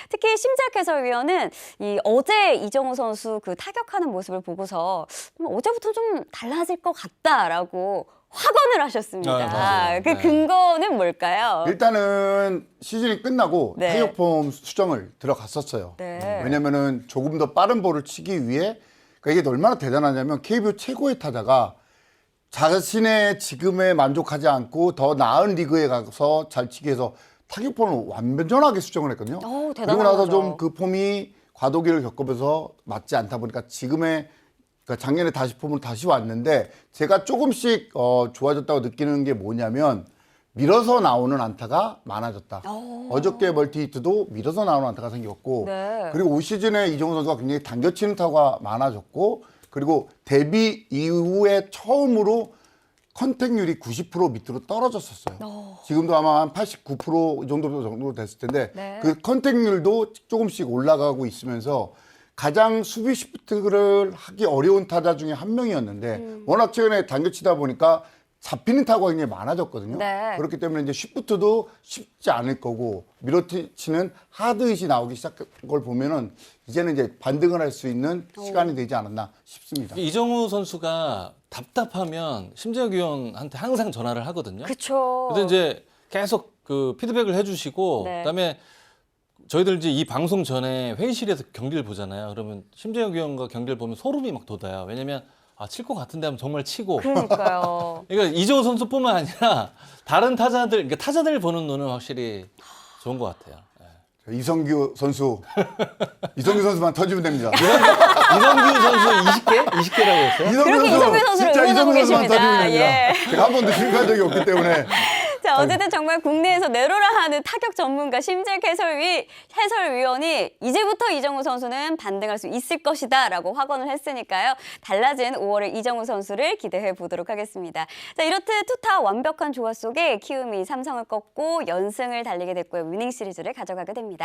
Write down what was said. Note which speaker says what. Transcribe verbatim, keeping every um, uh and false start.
Speaker 1: 특히 심재학 해설위원은 이 어제 이정우 선수 그 타격하는 모습을 보고서 어제부터 좀 달라질 것 같다라고 확언을 하셨습니다.
Speaker 2: 아, 맞아요.
Speaker 1: 그
Speaker 2: 네.
Speaker 1: 근거는 뭘까요?
Speaker 3: 일단은 시즌이 끝나고
Speaker 1: 네.
Speaker 3: 타격폼 수정을 들어갔었어요.
Speaker 1: 네.
Speaker 3: 왜냐면은 조금 더 빠른 볼을 치기 위해 그러니까 이게 얼마나 대단하냐면 케이비오 최고의 타자가 자신의 지금에 만족하지 않고 더 나은 리그에 가서 잘 치기 위해서 타격폼을 완전하게 수정을 했거든요.
Speaker 1: 오, 대단한
Speaker 3: 그리고 나서
Speaker 1: 거죠.
Speaker 3: 좀 그 폼이 과도기를 겪으면서 맞지 않다 보니까 지금의 그러니까 작년에 다시 폼으로 다시 왔는데 제가 조금씩 어, 좋아졌다고 느끼는 게 뭐냐면 밀어서 나오는 안타가 많아졌다.
Speaker 1: 오.
Speaker 3: 어저께 멀티히트도 밀어서 나오는 안타가 생겼고
Speaker 1: 네.
Speaker 3: 그리고 올 시즌에 이정우 선수가 굉장히 당겨치는 타구가 많아졌고 그리고 데뷔 이후에 처음으로 컨택률이 구십 퍼센트 밑으로 떨어졌었어요.
Speaker 1: 오.
Speaker 3: 지금도 아마 한 팔십구 퍼센트 정도 정도 됐을 텐데
Speaker 1: 네.
Speaker 3: 그 컨택률도 조금씩 올라가고 있으면서 가장 수비 시프트를 하기 어려운 타자 중에 한 명이었는데
Speaker 1: 음.
Speaker 3: 워낙 최근에 당겨치다 보니까 잡히는 타구가 굉장히 많아졌거든요.
Speaker 1: 네.
Speaker 3: 그렇기 때문에 이제 시프트도 쉽지 않을 거고 밀어치는 하드잇이 나오기 시작한 걸 보면은 이제는 이제 반등을 할 수 있는 시간이 되지 않았나 싶습니다.
Speaker 2: 이정우 선수가 답답하면 심재혁 위원한테 항상 전화를 하거든요.
Speaker 1: 그렇죠.
Speaker 2: 그래서 이제 계속 그 피드백을 해주시고
Speaker 1: 네.
Speaker 2: 그다음에 저희들 이제 이 방송 전에 회의실에서 경기를 보잖아요. 그러면 심재혁 위원과 경기를 보면 소름이 막 돋아요. 왜냐면 아, 칠 것 같은데 하면 정말 치고.
Speaker 1: 그러니까요.
Speaker 2: 그러니까 이정우 선수뿐만 아니라 다른 타자들, 그러니까 타자들 보는 눈은 확실히 좋은 것 같아요. 예.
Speaker 3: 이성규 선수, 이성규 선수만 터지면 됩니다.
Speaker 2: 이성규 선수 이십 개? 이십 개라고 했어요?
Speaker 1: 그렇게 이성규 선수를
Speaker 3: 진짜
Speaker 1: 응원하고
Speaker 3: 이성규 선수만
Speaker 1: 계십니다.
Speaker 3: 터지면 됩니다.
Speaker 1: 예.
Speaker 3: 제가 한 번도 실패한 적이 없기 때문에
Speaker 1: 자, 어쨌든 정말 국내에서 내로라 하는 타격 전문가 심재학 해설위, 해설위원이 이제부터 이정우 선수는 반등할 수 있을 것이다라고 확언을 했으니까요. 달라진 오월의 이정우 선수를 기대해 보도록 하겠습니다. 자, 이렇듯 투타 완벽한 조화 속에 키움이 삼성을 꺾고 연승을 달리게 됐고요. 위닝 시리즈를 가져가게 됩니다.